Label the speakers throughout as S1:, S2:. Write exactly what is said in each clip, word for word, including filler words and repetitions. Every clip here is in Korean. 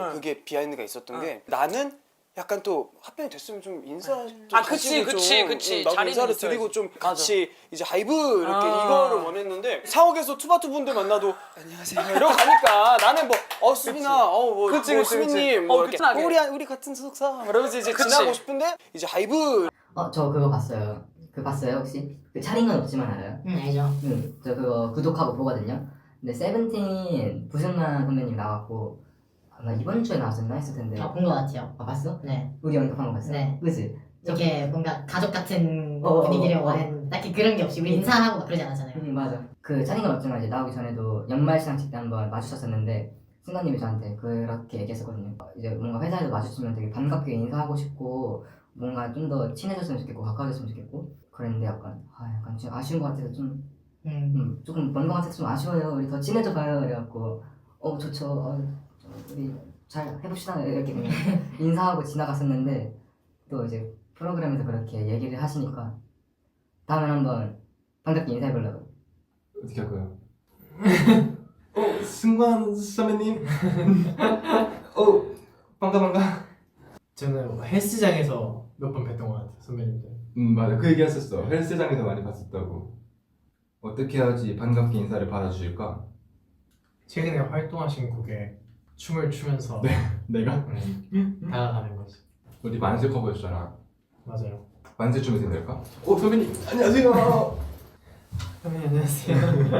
S1: 그게 비하인드가 있었던 게 나는 약간 또 합병이 됐으면 좀 인사 좀
S2: 아, 그치,
S1: 가지고
S2: 그치,
S1: 좀,
S2: 그치.
S1: 음, 나도
S2: 자리는
S1: 인사를
S2: 있어야지.
S1: 드리고 좀
S2: 맞아.
S1: 같이 이제 하이브 이렇게
S2: 아.
S1: 이거를 원했는데 사옥에서 투바투 분들 만나도 안녕하세요 이러고 가니까 나는 뭐어 수빈아 어뭐
S2: 그치,
S1: 뭐
S2: 그치, 그치.
S1: 수빈님
S2: 어,
S1: 뭐 이렇게
S2: 편하게.
S1: 우리 우리 같은 소속사 이러면서 이제
S2: 그치.
S1: 지나고 싶은데 이제 하이브
S3: 어, 저 그거 봤어요. 그 봤어요 혹시? 그 차링은 없지만 알아요?
S4: 응 알죠.
S3: 응, 저 그거 구독하고 보거든요. 근데 세븐틴 부승만 선배님 나왔고 아마 이번 주에 나왔었나 했을 텐데.
S4: 아 본 것 같아요.
S3: 아 봤어?
S4: 네.
S3: 우리 언급한 거 봤어?
S4: 네.
S3: 그치?
S4: 이렇게 뭔가 가족 같은
S3: 어,
S4: 분위기를
S3: 어, 어.
S4: 원하는 딱히 그런 게 없이 우리 인사하고 막 그러지 않았잖아요.
S3: 응 맞아. 그 차링은 없지만 이제 나오기 전에도 연말 시상식 때 한번 마주쳤었는데 승관님이 저한테 그렇게 얘기했었거든요. 이제 뭔가 회사에서 마주치면 되게 반갑게 인사하고 싶고 뭔가 좀 더 친해졌으면 좋겠고 가까워졌으면 좋겠고 그랬는데 약간 아 약간 좀 아쉬운 것 같아서 좀
S4: 음.
S3: 음, 조금 먼 것 같아서 좀 아쉬워요. 우리 더 친해져 봐요. 그래갖고 어 좋죠. 어, 우리 잘 해봅시다. 이렇게 그냥 인사하고 지나갔었는데 또 이제 프로그램에서 그렇게 얘기를 하시니까 다음에 한번 반갑게 인사해보려고.
S5: 어떻게 할 거예요? 어, 승관 선배님. 어, 반가 반가.
S6: 저는 헬스장에서 몇 번 뵀던 것 같아요 선배님들.
S5: 음 맞아, 그 얘기 했었어. 헬스장에서 많이 봤었다고. 어떻게 해야지 반갑게 인사를 받아주실까?
S6: 최근에 활동하신 곡에 춤을 추면서
S5: 내가
S6: 네, 다가가는 거지.
S5: 우리 만세 커버였잖아.
S6: 맞아요.
S5: 만세 춤에서 될까? 어 선배님 안녕하세요.
S6: 선배님 안녕하세요.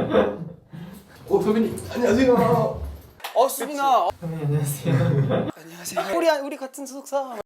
S5: 어 선배님 안녕하세요.
S1: 어 수빈아 어,
S6: 선배님 안녕하세요.
S1: 안녕하세요 우리 우리 같은 소속사